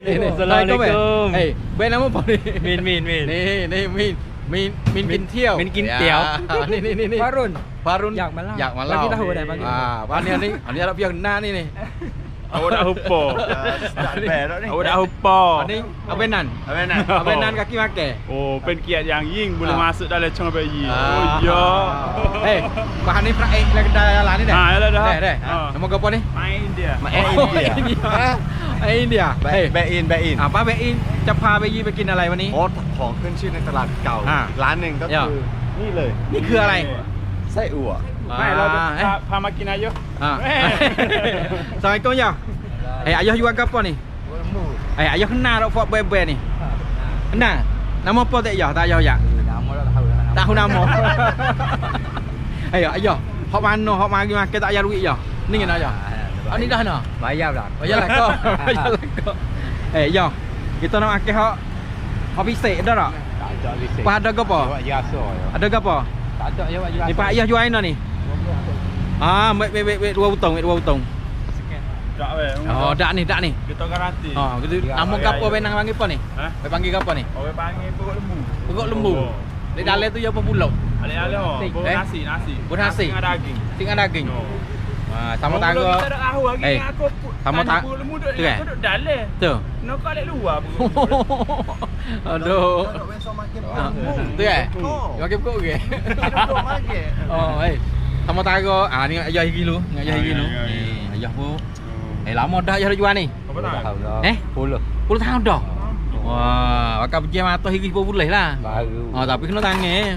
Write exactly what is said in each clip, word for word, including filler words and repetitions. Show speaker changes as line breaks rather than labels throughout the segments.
Ni ni Assalamualaikum. Eh, baik nama apa ni?
Min Min Min.
Ni ni Min. Min Min Kin Tiao.
Min Kin Tiao.
Ni ni ni ni.
Farun.
Farun.
Yak Malau.
Yak Malau.
Bagi tahu dah bagi.
Ah, pani ni. Ni Arab yang kenal ni ni.
Awak dah hupo.
Start bad dah ni.
Awak dah hupo.
Ni abenan.
Abenan.
Abenan kaki makan.
Oh, pen kiat yang ying boleh
Ah.
masuk dalam cong bayi.
Ah.
Oh ya.
Eh, bahan ni fry lah kedai lah ni dah.
Ah, yalah dah.
Dah dah.
Ah.
Nama kau apa ni?
Main dia.
Main
Oh,
India.
India. Eh, India. Eh,
Back in back in
อ่าป้าเบอินจะพาไปยีไปกินอะไรวันนี้
โอ้ของขึ้นชื่อในตลาดเก่า
อ่า
อีกร้านหนึ่งก็
เดี๋ยว
คือนี่เลย
นี่คืออะไร
ไส้อั่ว
ไม่เราจะ
อ่า
พาพามากินอายุ
อ่า
แม่
Assalamualaikum ya. Eh, ayah jual apa ni? Eh, ayah kenal tak Fort Bebe ni? Kenal? Nama apa tak ayah? Tak ayah ya?
Nama dah tahu dah.
Tak tahu nama. Ayah, ayah. Hok mana? Hok mari makan tak ayah duit ya? Ni kena ayah. Ah ni dah nak.
Bayar dah.
Bayar lah kau. Bayar lah kau. Eh, ya. Kita nak makan hok hok bisik dah tak?
Tak ada bisik.
Apa ada ke apa?
Awak jasa ya.
Ada ke apa?
Tak ada ya awak jasa.
Ni Pak Ayah jual mana ni? Ah, wait wait wait wait dua butong, wait dua butong.
Tak weh.
Oh, dak ni, dak ni.
Kita garanti.
Oh, gitu.
Ya,
Nama
ya,
gapo
ya.
benang panggil apa ni?
Ha?
Be panggil gapo ni?
Orang panggil perut lembu.
Perut lembu. Di dalam tu ya apa pulau?
Ale-ale oh, perut
Eh?
nasi, nasi.
Perut nasi.
Dengan daging.
Tinggal daging.
No.
Ah, sama
Orang
tangga.
Kita dah tahu hari
Eh,
ni aku
sama
tanya
tang-
perut lembu duduk
tu kan?
aku duduk dalam.
Tu.
Nak kau lek luar perut lembu.
Aduh.
Nak main sama makin
Ah,
lembu.
tu kan?
Oh.
Makan kok ke?
Duduk makin.
Oh, eh. Sama tangga. Ah, ni ayah higi lu, ni ayah
Ah,
higi
ya,
lu.
ya, ya.
Eh, ayah pun. Eh, lama dah ayah dah jual ni.
Apa
Tak
tak?
tahu dah.
Eh?
Puluh.
Puluh tahun dah. Wah, bakal pergi mata higi pun boleh lah.
Baru.
Oh, tapi kena tangan.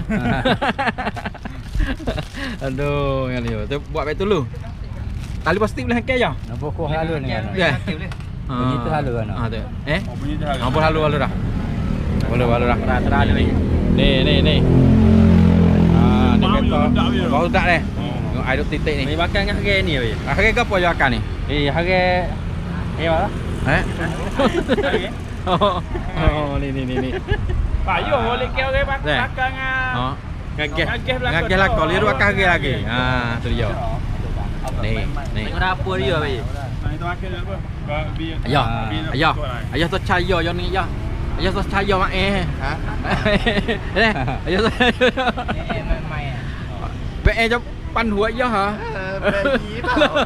Aduh, yang ni. Tu buat baik dulu. Tali plastik boleh hakai je.
Nampak kau halu ni kan.
Ya.
Bunyi tu halu kan?
Ah, tu. Eh?
Oh, bunyi dah.
Apa halu halu dah. Boleh halu dah. Terang ni. Ni ni ni. Ah, ni
Bau
kata.
ledak dia.
Bau ledak deh.
Oh.
Tengok air titik ni.
Ni makan dengan harga ni weh.
Ah, harga apa je makan ni?
Eh harga eh mana?
Eh? Oh, oh, ni ni ni ni.
Payuh boleh ke orang
Dah.
belakang ah.
Oh. Ngages.
Ngages belakang
Ngages lah
tu.
kau. Lihat akan harga lagi. Ah, tu dia. Ni, ni.
Tengok dapur dia weh.
Nah, itu makan dulu apa? Biar
Ayah,
biar-
ayah,
biar-
ayah tu caya yang ni ayah. Ayah tu caya mak eh.
Ha?
Eh, ayah tu.
Eh main-main.
Be eh jap pan hua ayah ha.
เออแบบนี้เปล่า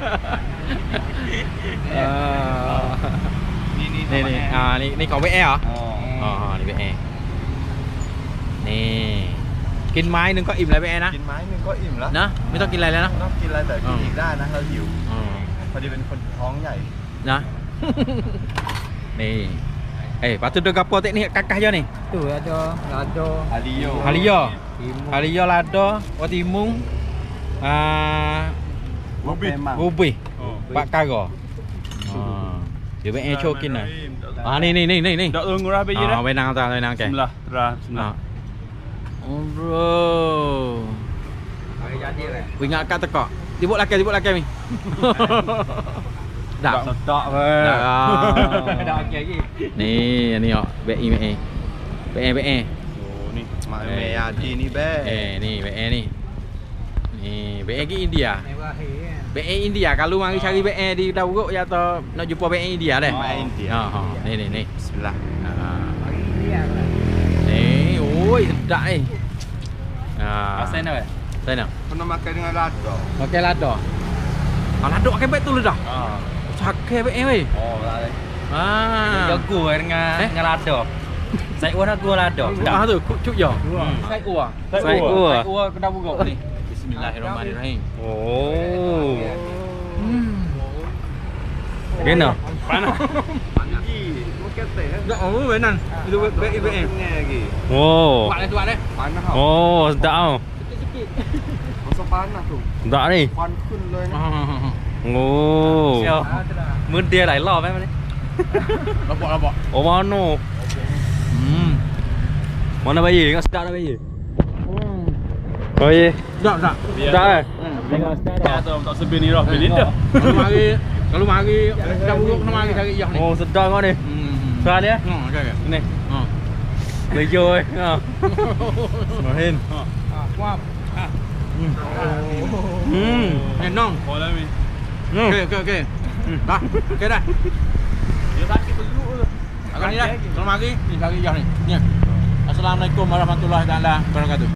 Ah.
Ni ni
Ni ni. Ah ni ni kau be eh hả?
Oh.
Oh, ni be eh. Ni. กินไม้นึงก็อิ่มแล้วไปแอนะ
กินไม้หนึงก็อิ่มแล้ว
นะไม่ต้องกินอะไรแล้วนะ
ไม่ต้องกินอะไรแต่กินอีกได้นะเราหิว
อืม
พอดีเป็นคนท้องใหญ่
นะ นี่เอ้ยpatut dah gapo tek ni kakah je ni
Tu ada lado.
อาริโย
Halia
Timun.
Halia lado Watimung ah
บุฟเฟ่ต์
Ubi
Oh.
Pak Kara ah dia be eh cho kin ah ah ni ni ni ni ni
Dak tunggu dah biji dah.
ah wenang ta wenang ke
Bismillah, terah, bismillah.
ah oh bro
Harga jadi weh.
Aku ingat kat tekak. Tibuk laki, tibuk laki mi. Dak.
Sedap weh.
Dak.
Dah okey lagi.
Ni, ni ok. B I B I. B I B I.
Oh, ni.
มาเมียดีนี่แบ้
Eh, ni B I ni. Ni B I ke India.
Mewah eh.
B I India. Kalau mari cari B I di Dauruk ya atau nak jumpa B I India dah.
Ma India
Ha, ha. Ni ni ni.
Bismillah
Ah.
Bagi dia lah.
Ni, oi, sedap ni. Ah.
Asal nak weh?
Sana.
pernah makan dengan lado
Okey lado. Ah, lado pakai baik tu dah.
Ah.
Pakai B I weh.
oh lah
Ah.
Jago dengan
Eh?
dengan lado. Saya orang aku lado.
Ah tu, cucuk je.
Hmm.
Sai ua.
Sai ua.
Sai ua kedai buruk ni. Bismillahirrahmanirrahim.
Oh.
Hmm.
Kena.
Panas.
mungkin teh
Enggak, oh benar. Itu B I B I.
punya lagi
Oh.
Buat dah, buat dah.
panas tau
Oh, sedap tau.
masa panas tuh
Sedap ni.
ควันขึ้นเลยนะ
Oh.
Sial. Mun dia หลายรอบไหมมัน
Lapok, lapok.
Oh, mana?
Hmm.
Mana bayi? Tengok sedap dah bayi. Bayi.
Sedap, sedap.
Sedap eh?
Tengok sedap dah.
Tak tak sebi ni dah. Pilih dah.
Kalau mari, kalau mari kedai buruk kena mari cari iyah ni.
Oh, sedap kau ni.
Hmm.
Sedap dia?
Ha, okey okey.
Ni.
Ha.
Lejo eh. Ha. Mahin.
Kuap.
Hmm.
Eh, nong.
Boleh ni.
Okey, okey, okey. Dah. Okey dah.
Dia sakit perut tu.
ni dah. Selamat pagi. Ni lagi Iyah ni. Ni. Assalamualaikum warahmatullahi taala wabarakatuh.